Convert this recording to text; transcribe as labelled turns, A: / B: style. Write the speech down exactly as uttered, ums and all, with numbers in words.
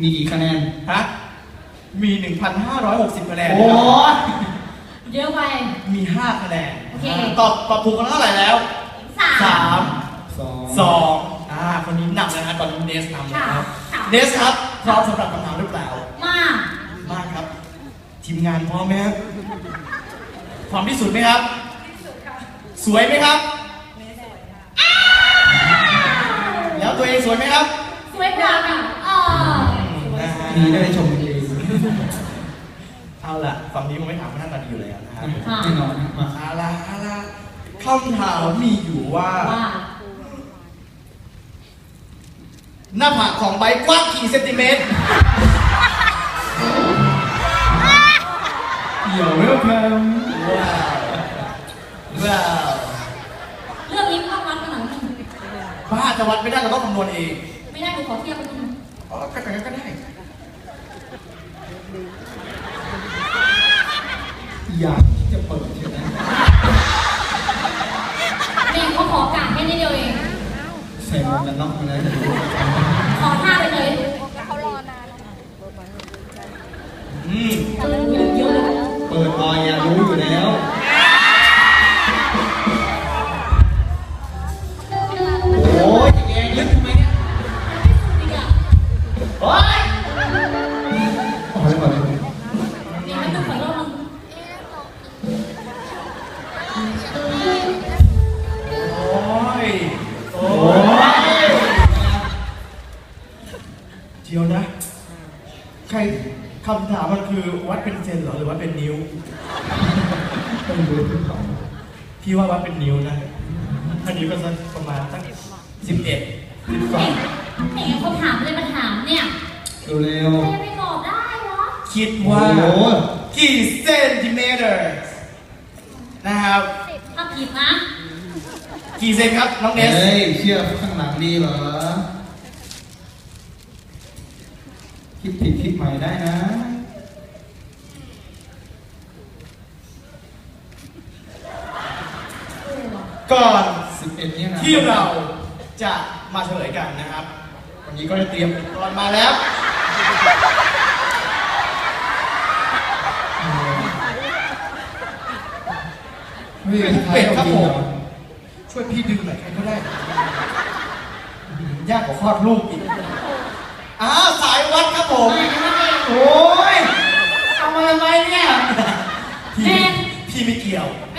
A: มีกี่คะแนน
B: ฮะมี หนึ่งพันห้าร้อยหกสิบ คะแนน
A: โอ้
C: เยอะไป
B: มีห้าคะแนน
C: โอเค
B: ตอบตอบถูกกันเท่าไหร่แล้ว
C: สาม
B: สาม
A: สอง
B: สองอ่าคนนี้นำนะฮะตอนนี้เนสนำนะครับ
C: ค่ะ
B: เนสครับพร้อมสำหรับคำถามหรือเปล่า
C: มาก
B: มากครับ ทีมงานพร้อมไหมครับพร้อมที่สุดไหมครับสวยไหมครับแล้วตัวเองสวยไหมครับ
C: สวยกว่าค่ะอ๋อ
B: นะฮะ
A: นี่ได้ชมกันเอง
B: เอาล่ะฝั่งนี้ผมไม่ถามหน้าตาดีอยู่แล้วนะครับ
A: แน่นอนมา
B: เอาล่ะเอาล่ะคำถามมีอยู่ว่า
C: ว่า
B: หน้าผากของใบกว้างกี่เซนติเมตร
A: เดี๋ยวเวลคัม
B: ว้าวว้าว
C: เรื่องนี้ต้องวัดกันหน่อยนึง
B: บ้าจะวัดไม่ได้เราต้องคำนวณเอง
C: ไม่ได้หนูขอเทียบกันนึง
B: อ๋อก็แต่ก็ได้
A: อยากที่จะเปิดใช่ไหม
C: เนี่ยเขาขอกาดแค่นี้เดียวเอง
A: ใส่หมวกกันน็อกมาแล้ว
C: ขอท่าไปเลย
B: อืม
C: เออเยอะเยอะเลย
A: เปิดออยอยากรู้อยู่แล้วโอ้ยจะแกงลึกทำไมเนี่ย
C: อีกอ่ะ
B: โอ๊ย
A: อ๋อแล้วก่อนเลย
C: เนี่ยไม่ต้องขอรอบนึง
B: โอ้ยโอ้
A: โอ้
B: ย
A: ย
B: เดียวนะ ใครคำถามมันคือวัดเป็นเซนเหรอหรือวัดเป็นนิ้ว
A: ต้องดูที่เขา
B: พี่ว่าวัดเป็นนิ้วนะถ้านิ้วก็สักประมาณตั้งสิบเอ็ดสิบสอง
C: ไหนเขาถามเลยมาถามเนี่ย
A: เร็ว
C: ใครจะไปตอบได้เหรอ
B: คิด
A: ๆ
B: ว่า
A: โอ้โห
B: กี่เซนติเมตรนะครับ
C: ถ้าผิดนะ
B: กี่เซนครับน้องเนส
A: เฮ้ยเชื่อข้างหลังดีเหรอคิดผิดคิดใหม่ได้นะ
B: ก่อน
A: สิบเอ็ดเนี่ยนะ
B: ที่เราจะมาเฉลยกันนะครับ วันนี้ก็ได้เตรียมอุปกรณ์มาแล้ว
A: เฮ้ย
B: เป็ดครับผม ช่วยพี่ดึงหน่อยใครก็ได้ ยากกว่าคลอดลูกอีกอ้าวสายวัดครับผม โอ้ยทำอะไรไหมเนี่ย พี่
C: แม่
B: พี่ไม่เกี่ยว
C: แ